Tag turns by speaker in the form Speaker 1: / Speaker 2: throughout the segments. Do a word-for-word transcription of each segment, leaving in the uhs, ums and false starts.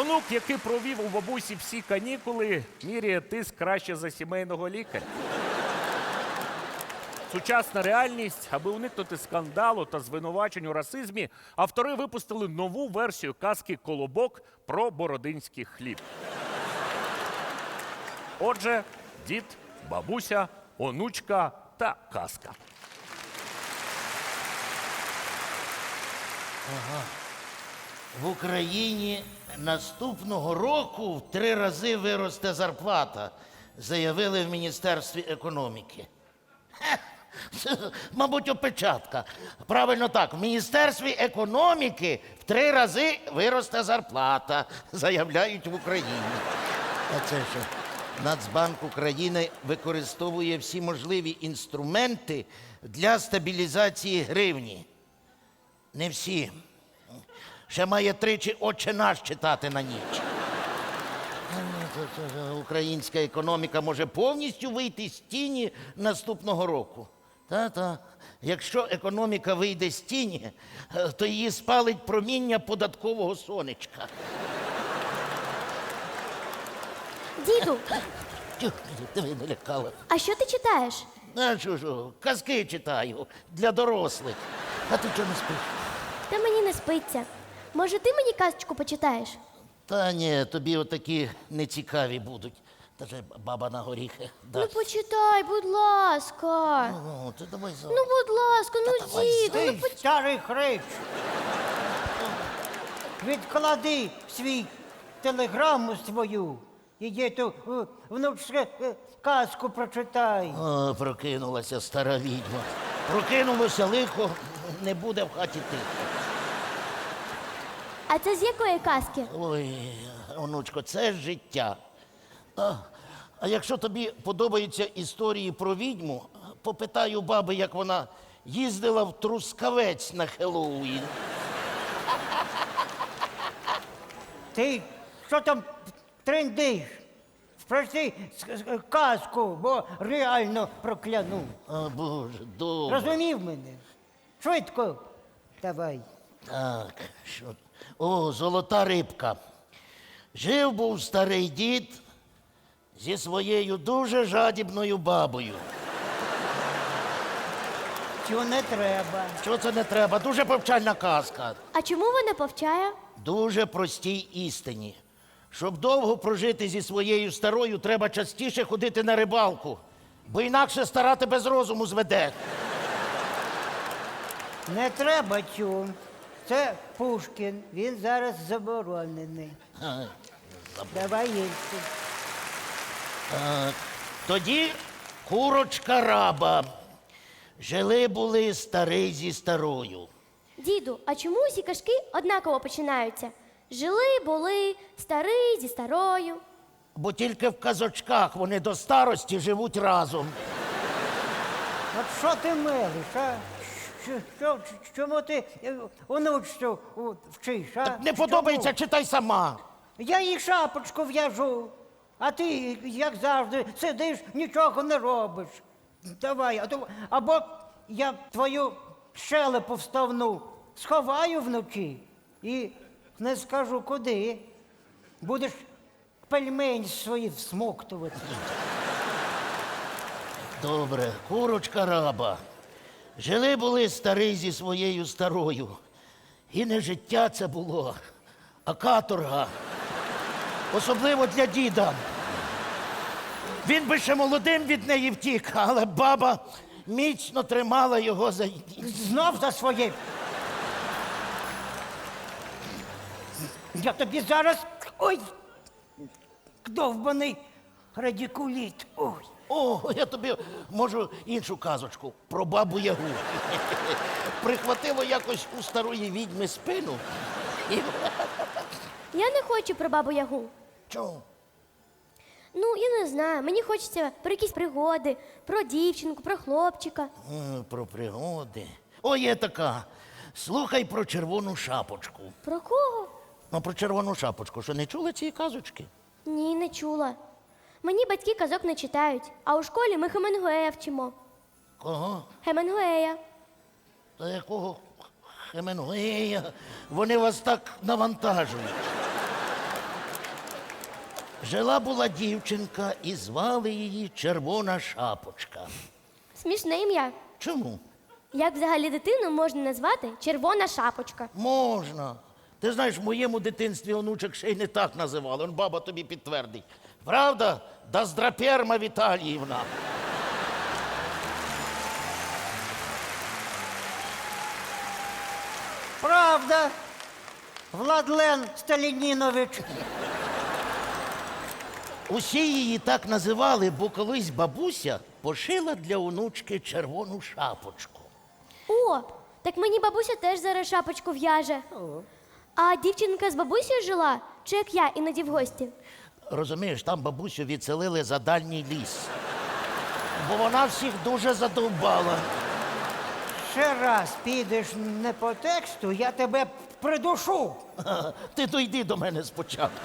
Speaker 1: онук, який провів у бабусі всі канікули, міряє тиск краще за сімейного лікаря. Сучасна реальність, аби уникнути скандалу та звинувачень у расизмі, автори випустили нову версію казки «Колобок» про бородинський хліб. Отже, дід, бабуся, онучка та казка.
Speaker 2: Ага. В Україні наступного року в три рази виросте зарплата, заявили в Міністерстві економіки. Хе, це, мабуть, опечатка. Правильно так, в Міністерстві економіки в три рази виросте зарплата, заявляють в Україні. А це що? Нацбанк України використовує всі можливі інструменти для стабілізації гривні. Не всі. Ще має тричі «Отче наш» читати на ніч. Українська економіка може повністю вийти з тіні наступного року. Та-та. Якщо економіка вийде з тіні, то її спалить проміння податкового сонечка.
Speaker 3: Діду,
Speaker 2: Тю, ти мене налякала.
Speaker 3: а що ти читаєш?
Speaker 2: А що ж, казки читаю для дорослих. А ти чого не спиш?
Speaker 3: Та мені не спиться. Може, ти мені казочку почитаєш?
Speaker 2: Та ні, тобі отакі нецікаві будуть. Та же баба на горіхи
Speaker 3: Ну
Speaker 2: дасть.
Speaker 3: почитай, будь ласка.
Speaker 2: Ну, ти давай за.
Speaker 3: Ну, будь ласка, ну
Speaker 2: давай,
Speaker 3: діду, ну
Speaker 4: Ти,
Speaker 3: почитай.
Speaker 4: старий хрич, відклади свій телеграму свою. Іди ту е, внучке е, казку прочитай.
Speaker 2: О, прокинулася стара відьма. Прокинулося лихо, не буде в хаті тихо.
Speaker 3: А це з якої казки?
Speaker 2: Ой, онучко, це ж життя. А, а якщо тобі подобаються історії про відьму, попитаю баби, як вона їздила в Трускавець на Хеллоуін.
Speaker 4: Ти що там трендиш? Спроси с- с- казку, бо реально прокляну.
Speaker 2: А, Боже, добре.
Speaker 4: Розумів мене? Швидко. Давай.
Speaker 2: Так, що. О, золота рибка. Жив був старий дід зі своєю дуже жадібною бабою.
Speaker 4: Цього не треба.
Speaker 2: Чого це не треба? Дуже повчальна казка.
Speaker 3: А чому вона повчає?
Speaker 2: Дуже простій істині. Щоб довго прожити зі своєю старою, треба частіше ходити на рибалку, бо інакше стара тебе з розуму зведе.
Speaker 4: Не треба цю. Це Пушкін. Він зараз заборонений.
Speaker 2: А,
Speaker 4: Давай їсти.
Speaker 2: а, Тоді курочка раба. Жили були старий зі старою.
Speaker 3: Діду, а чому усі казки однаково починаються? Жили, були, старий зі старою.
Speaker 2: Бо тільки в казочках вони до старості живуть разом.
Speaker 4: От що ти мелиш, а? Що, що, чому ти е, онучцю о, вчиш, а?
Speaker 2: Не подобається, читай сама.
Speaker 4: Я їй шапочку в'яжу, а ти, як завжди, сидиш, нічого не робиш. Давай, а то, або я твою щелепу вставну сховаю вночі і не скажу куди. Будеш пельмень свої всмоктувати.
Speaker 2: Добре, курочка раба. Жили були старий зі своєю старою. І не життя це було, а каторга. Особливо для діда. Він би ще молодим від неї втік, але баба міцно тримала його за...
Speaker 4: Знов за своє. Я тобі зараз. Ой! Довбаний радикуліт. Ой.
Speaker 2: О, я тобі можу іншу казочку про бабу Ягу. Прихватило якось у старої відьми спину. І...
Speaker 3: Я не хочу про бабу Ягу.
Speaker 2: Чому?
Speaker 3: Ну, я не знаю. Мені хочеться про якісь пригоди, про дівчинку, про хлопчика.
Speaker 2: М, Про пригоди. О, є така. Слухай про червону шапочку.
Speaker 3: Про кого?
Speaker 2: Ну, про червону шапочку. Що, не чула цієї казочки?
Speaker 3: Ні, не чула. Мені батьки казок не читають, а у школі ми Хемінгуея вчимо.
Speaker 2: Кого?
Speaker 3: Хемінгуея.
Speaker 2: Та якого Хемінгуея? Вони вас так навантажують. Жила була дівчинка і звали її Червона Шапочка.
Speaker 3: Смішне ім'я.
Speaker 2: Чому?
Speaker 3: Як взагалі дитину можна назвати червона шапочка?
Speaker 2: Можна. Ти знаєш, в моєму дитинстві онучок ще й не так називали. Он баба тобі підтвердить. Правда? Доздраперма Віталіївна.
Speaker 4: Правда, Владлен Сталінінович.
Speaker 2: Усі її так називали, бо колись бабуся пошила для онучки червону шапочку.
Speaker 3: О, так мені бабуся теж зараз шапочку в'яже. А дівчинка з бабусею жила? Чи як я іноді в гості?
Speaker 2: Розумієш, там бабусю відселили за дальній ліс. Бо вона всіх дуже задовбала.
Speaker 4: Ще раз підеш не по тексту, я тебе придушу.
Speaker 2: Ха, Ти дойди до мене спочатку.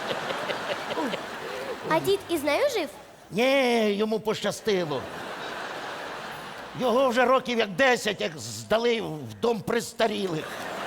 Speaker 3: А дід із нею жив?
Speaker 2: Ні, йому пощастило. Його вже років як десять, як здали в дом престарілих.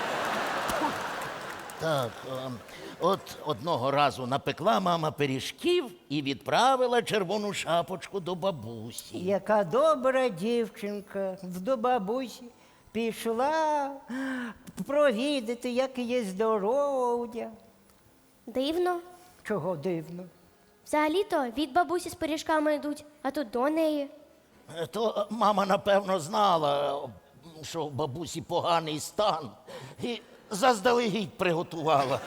Speaker 2: Так, ем, от одного разу напекла мама пиріжків і відправила червону шапочку до бабусі.
Speaker 4: Яка добра дівчинка до бабусі пішла провідати, як є здоров'я.
Speaker 3: Дивно.
Speaker 4: Чого дивно?
Speaker 3: Взагалі-то від бабусі з пиріжками йдуть, а тут до неї.
Speaker 2: Е, То мама, напевно, знала, е, що в бабусі поганий стан, і заздалегідь приготувала.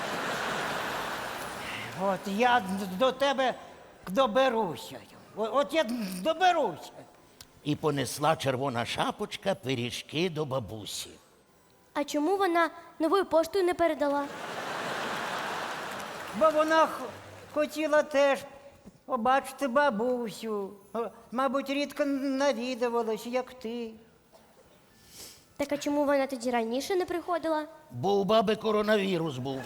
Speaker 4: От я до тебе доберуся. О- От я доберуся.
Speaker 2: І понесла червона шапочка пиріжки до бабусі.
Speaker 3: А чому вона новою поштою не передала?
Speaker 4: Бо вона х- хотіла теж побачити бабусю. О, Мабуть, рідко навідувалась, як ти.
Speaker 3: Так а чому вона тоді раніше не приходила?
Speaker 2: Бо у баби коронавірус був.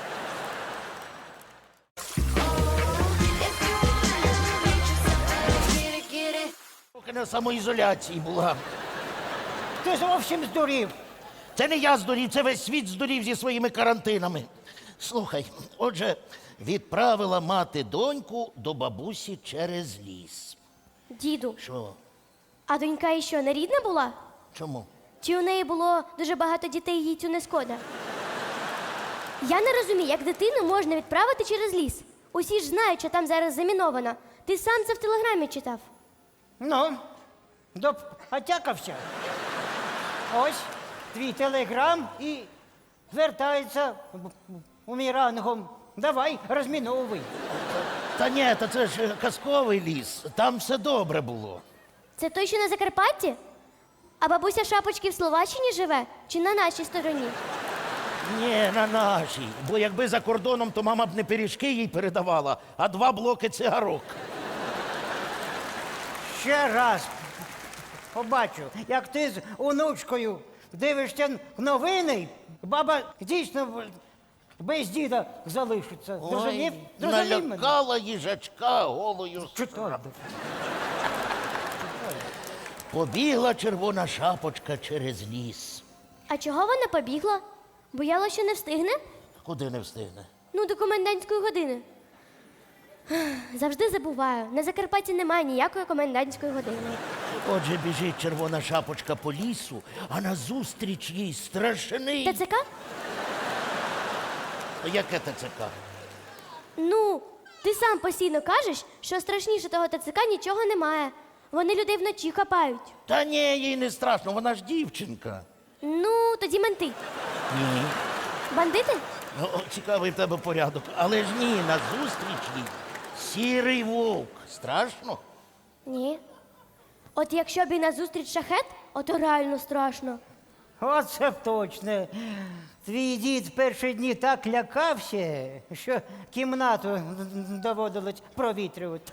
Speaker 2: Поки на самоізоляції була.
Speaker 4: Ти зовсім здурів.
Speaker 2: Це не я здурів, це весь світ здурів зі своїми карантинами. Слухай, отже, відправила мати доньку до бабусі через ліс.
Speaker 3: Діду,
Speaker 2: Що?
Speaker 3: а донька і що, не рідна була?
Speaker 2: Чому?
Speaker 3: Чи у неї було дуже багато дітей, їй цю не шкода? Я не розумію, як дитину можна відправити через ліс. Усі ж знають, що там зараз заміновано. Ти сам це в телеграмі читав.
Speaker 4: Ну, допотякався. Ось твій телеграм і вертається у мій рангом. Давай, розміновуй.
Speaker 2: Та ні, та це ж казковий ліс, там все добре було.
Speaker 3: Це той, що на Закарпатті? А бабуся шапочки в Словаччині живе чи на нашій стороні?
Speaker 2: Ні, на нашій. Бо якби за кордоном, то мама б не пиріжки їй передавала, а два блоки цигарок.
Speaker 4: Ще раз побачу, як ти з онучкою дивишся новини, баба дійсно без діда залишиться. Зрозумів? Зрозумів мене?
Speaker 2: налякала їжачка голою.
Speaker 4: Чудово.
Speaker 2: Побігла червона шапочка через ліс.
Speaker 3: А чого вона побігла? Боялася, що не встигне?
Speaker 2: Куди не встигне?
Speaker 3: Ну, до комендантської години. Завжди забуваю. На Закарпатті немає ніякої комендантської години.
Speaker 2: Отже, біжить червона шапочка по лісу, а назустріч їй страшний.
Speaker 3: ТЦК?
Speaker 2: Яке ТЦК?
Speaker 3: Ну, ти сам постійно кажеш, що страшніше того ТЦК нічого немає. Вони людей вночі хапають.
Speaker 2: Та ні, їй не страшно, вона ж дівчинка.
Speaker 3: Ну, тоді менти.
Speaker 2: Ні.
Speaker 3: Бандити?
Speaker 2: Ну, о, цікавий в тебе порядок. Але ж ні, назустріч їй сірий вовк. Страшно?
Speaker 3: Ні. От якщо б і назустріч шахет, ото реально страшно.
Speaker 4: Оце точно. Твій дід в перші дні так лякався, що кімнату доводилось провітрювати.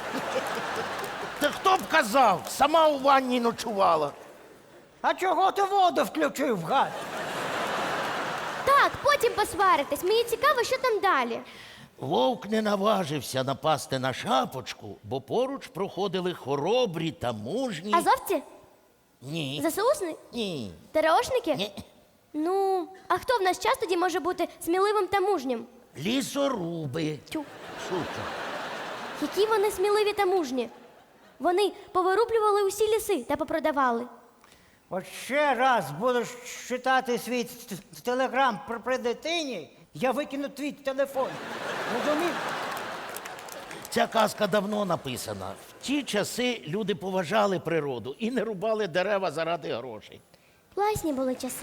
Speaker 2: Та хто б казав, сама у ванні ночувала.
Speaker 4: А чого ти воду включив, гад?
Speaker 3: Так, потім посваритесь. Мені цікаво, що там далі.
Speaker 2: Вовк не наважився напасти на шапочку, бо поруч проходили хоробрі та мужні.
Speaker 3: Азовці?
Speaker 2: Ні.
Speaker 3: ЗСУшники?
Speaker 2: Ні.
Speaker 3: ТРОшники?
Speaker 2: Ні.
Speaker 3: Ну, а хто в наш час тоді може бути сміливим та мужнім?
Speaker 2: Лісоруби.
Speaker 3: Тю.
Speaker 2: Шучу.
Speaker 3: Які вони сміливі та мужні. Вони повирублювали усі ліси та попродавали.
Speaker 4: От ще раз будеш читати свій т- т- телеграм при, при дитині, я викину твій телефон. Розумів?
Speaker 2: Ця казка давно написана. В ті часи люди поважали природу і не рубали дерева заради грошей.
Speaker 3: Класні були часи.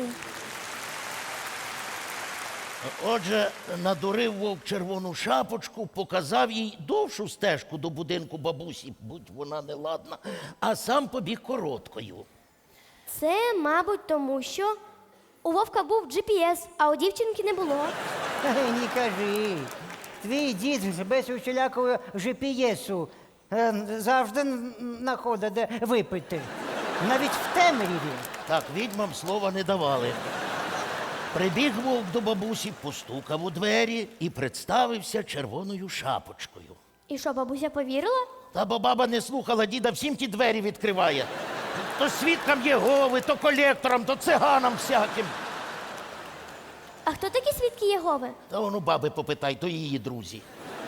Speaker 2: Отже, надурив вовк червону шапочку, показав їй довшу стежку до будинку бабусі, будь вона неладна, а сам побіг короткою.
Speaker 3: Це, мабуть, тому що у Вовка був джі пі ес, а у дівчинки не було.
Speaker 4: Ей, не кажи. Твій дід ж без усілякого жі пі есу е, завжди знаходить, де випити. Навіть в темряві.
Speaker 2: Так, відьмам слова не давали. Прибіг вовк до бабусі, постукав у двері і представився червоною шапочкою.
Speaker 3: І що, бабуся повірила?
Speaker 2: Та бо баба не слухала діда, всім ті двері відкриває. То свідкам Єгови, то колекторам, то циганам всяким.
Speaker 3: А хто такі свідки Єгови?
Speaker 2: Та воно баби попитай, то її друзі.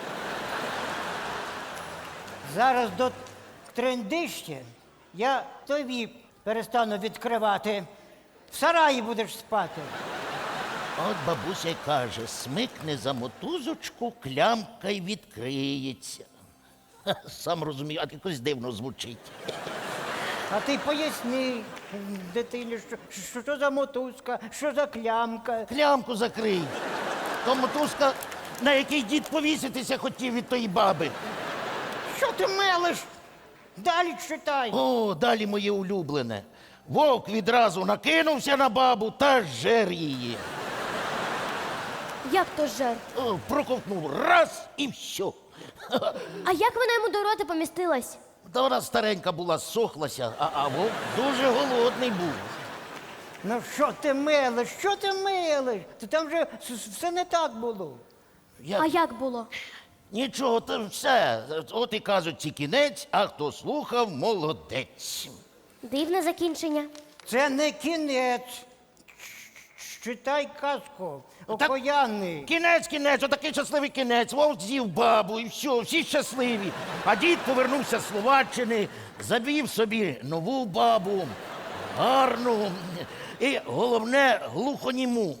Speaker 4: Зараз до трендища я тобі перестану відкривати. В сараї будеш спати.
Speaker 2: От бабуся й каже, смикне за мотузочку, клямка й відкриється. Ха, сам розумію, а якось дивно звучить.
Speaker 4: А ти поясни дитині, що, що, що за мотузка, що за клямка.
Speaker 2: Клямку закрий. То мотузка, на який дід повіситися хотів від тої баби.
Speaker 4: Що ти мелиш? Далі читай.
Speaker 2: О, далі моє улюблене. Вовк відразу накинувся на бабу та жер її.
Speaker 3: Як то жер?
Speaker 2: О, проковтнув раз і все.
Speaker 3: А як вона йому до рота помістилась?
Speaker 2: Та вона старенька була, зсохлася, а, а вовк дуже голодний був.
Speaker 4: Ну що ти мелиш? Що ти мелиш? Ти там вже с- с- все не так було.
Speaker 2: Я...
Speaker 3: А як було?
Speaker 2: Нічого, то все. От і кажуть, ці кінець, а хто слухав, молодець.
Speaker 3: Дивне закінчення.
Speaker 4: Це не кінець. Ч- Читай казку.
Speaker 2: Так-
Speaker 4: Окоянний.
Speaker 2: Кінець, кінець, отакий щасливий кінець. Вовк з'їв бабу і все, всі щасливі. А дід повернувся з Словаччини, завів собі нову бабу, гарну і, головне, глухоніму.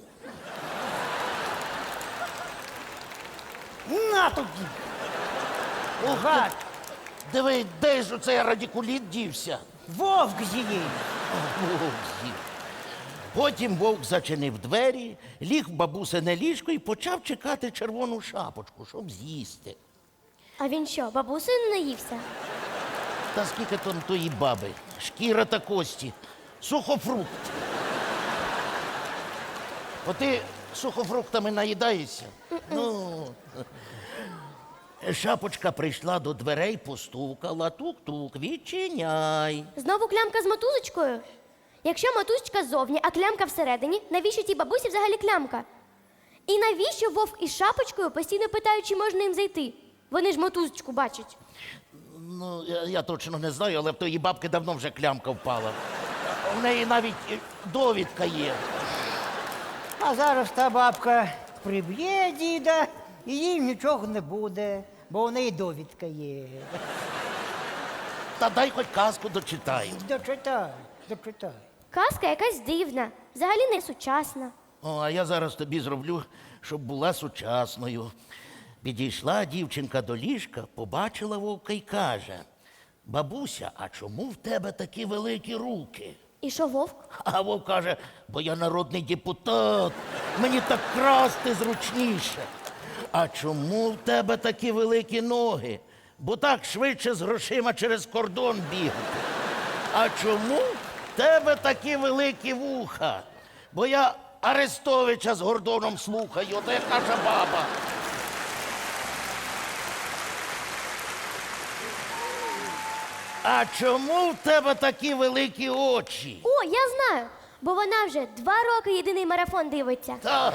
Speaker 4: На тобі! Угад!
Speaker 2: Диви, де ж оцей радикуліт дівся?
Speaker 4: Вовк з'їв!
Speaker 2: Вовк з'їв. Потім вовк зачинив двері, ліг в бабусине ліжко і почав чекати червону шапочку, щоб з'їсти.
Speaker 3: А він що, бабусею не наївся?
Speaker 2: Та скільки там тої баби? Шкіра та кості. Сухофрукт. От ти сухофруктами наїдаєшся? Ну. Шапочка прийшла до дверей, постукала, тук-тук, відчиняй.
Speaker 3: Знову клямка з мотузочкою? Якщо мотузочка ззовні, а клямка всередині, навіщо тій бабусі взагалі клямка? І навіщо вовк із шапочкою постійно питають, чи можна їм зайти? Вони ж мотузочку бачать.
Speaker 2: Ну, я, я точно не знаю, але в тої бабки давно вже клямка впала. У неї навіть е, довідка є.
Speaker 4: А зараз та бабка приб'є діда, і їй нічого не буде, бо у неї довідка є.
Speaker 2: Та дай хоч казку дочитаю.
Speaker 4: Дочитай, дочитай.
Speaker 3: Казка якась дивна, взагалі не сучасна.
Speaker 2: О, а я зараз тобі зроблю, щоб була сучасною. Підійшла дівчинка до ліжка, побачила вовка й каже: бабуся, а чому в тебе такі великі руки?
Speaker 3: І що вовк?
Speaker 2: А вовк каже: бо я народний депутат, мені так красти зручніше. А чому в тебе такі великі ноги? Бо так швидше з грошима через кордон бігати. А чому в тебе такі великі вуха? Бо я Арестовича з Гордоном слухаю, то як наша баба. А чому в тебе такі великі очі?
Speaker 3: О, я знаю, бо вона вже два роки єдиний марафон дивиться.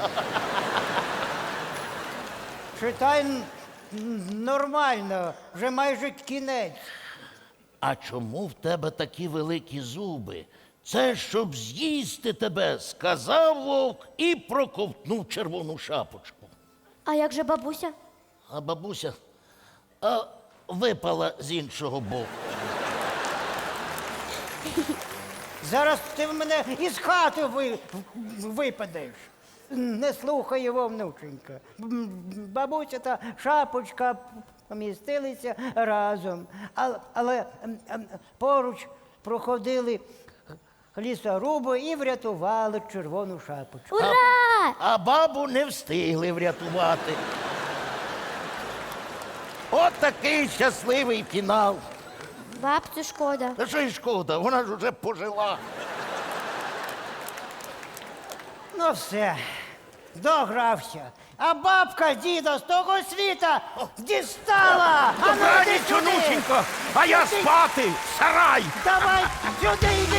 Speaker 4: Читай н- н- нормально, вже майже кінець.
Speaker 2: А чому в тебе такі великі зуби? Це щоб з'їсти тебе, сказав вовк і проковтнув червону шапочку.
Speaker 3: А як же бабуся?
Speaker 2: А бабуся а випала з іншого боку.
Speaker 4: Зараз ти в мене із хати ви, випадеш. Не слухай його, внученька. М, Бабуся та шапочка помістилися разом, але, але ем, ем, поруч проходили лісоруби і врятували червону шапочку.
Speaker 3: Ура!
Speaker 2: А бабу не встигли врятувати. От такий щасливий фінал.
Speaker 3: Бабцю шкода.
Speaker 2: Та що й шкода, вона ж уже пожила.
Speaker 4: Ну все, догрався. А бабка діда з того світа дістала! А ну,
Speaker 1: Добраніч,
Speaker 4: йди сюди!
Speaker 1: онученько, а я спати, в сарай!
Speaker 4: Давай сюди йди!